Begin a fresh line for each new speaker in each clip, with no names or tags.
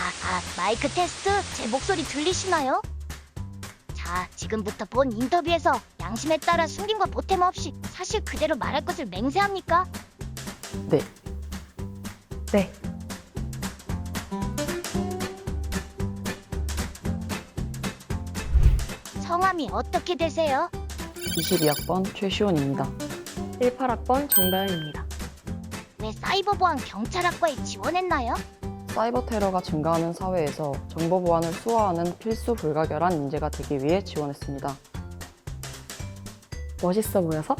마이크 테스트? 제 목소리 들리시나요? 자, 지금부터 본 인터뷰에서 양심에 따라 숨김과 보탬 없이 사실 그대로 말할 것을 맹세합니까?
네.
네.
성함이 어떻게 되세요?
22학번 최시원입니다.
18학번 정다현입니다.
왜 사이버보안 경찰학과에 지원했나요?
사이버 테러가 증가하는 사회에서 정보 보안을 수호하는 필수 불가결한 인재가 되기 위해 지원했습니다.
멋있어 보여서?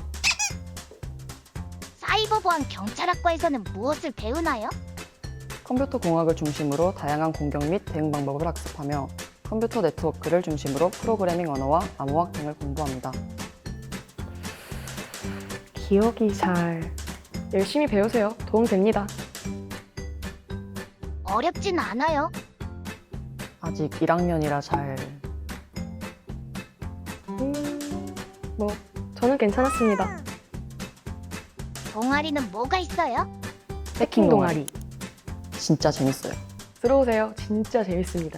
사이버보안 경찰학과에서는 무엇을 배우나요?
컴퓨터 공학을 중심으로 다양한 공격 및 대응 방법을 학습하며 컴퓨터 네트워크를 중심으로 프로그래밍 언어와 암호학 등을 공부합니다.
기억이 잘... 열심히 배우세요. 도움됩니다.
어렵진 않아요.
아직 1학년이라 잘...
뭐 저는 괜찮았습니다.
동아리는 뭐가 있어요?
해킹 동아리.
진짜 재밌어요.
들어오세요. 진짜 재밌습니다.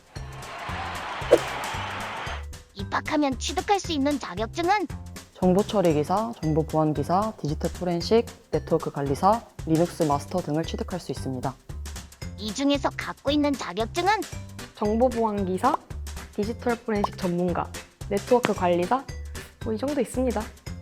입학하면 취득할 수 있는 자격증은?
정보 처리 기사, 정보 보안 기사, 디지털 포렌식, 네트워크 관리사, 리눅스 마스터 등을 취득할 수 있습니다.
이 중에서 갖고 있는 자격증은?
정보보안기사, 디지털 포렌식 전문가, 네트워크 관리사, 뭐 이 정도 있습니다.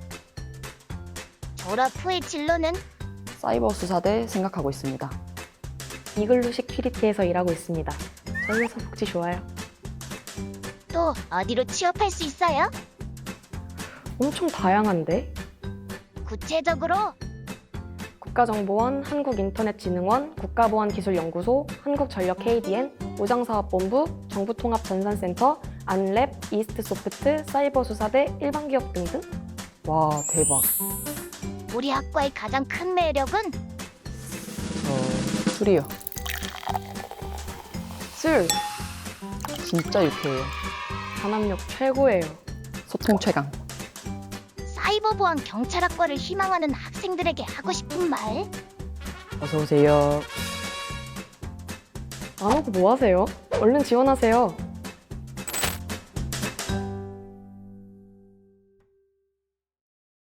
졸업 후의 진로는?
사이버 수사대 생각하고 있습니다.
이글루 시큐리티에서 일하고 있습니다. 저희 회사 복지 좋아요.
또 어디로 취업할 수 있어요?
엄청 다양한데?
구체적으로?
국가정보원, 한국인터넷진흥원, 국가보안기술연구소, 한국전력 KDN, 오장사업본부, 정부통합전산센터, 안랩, 이스트소프트, 사이버수사대, 일반기업 등등?
와, 대박.
우리 학과의 가장 큰 매력은?
술이요.
술!
진짜 유쾌해요.
단합력 최고예요.
소통 최강.
사이버보안 경찰학과를 희망하는 학생들에게 하고 싶은 말?
어서 오세요.
안 오고 뭐 하세요? 얼른 지원하세요.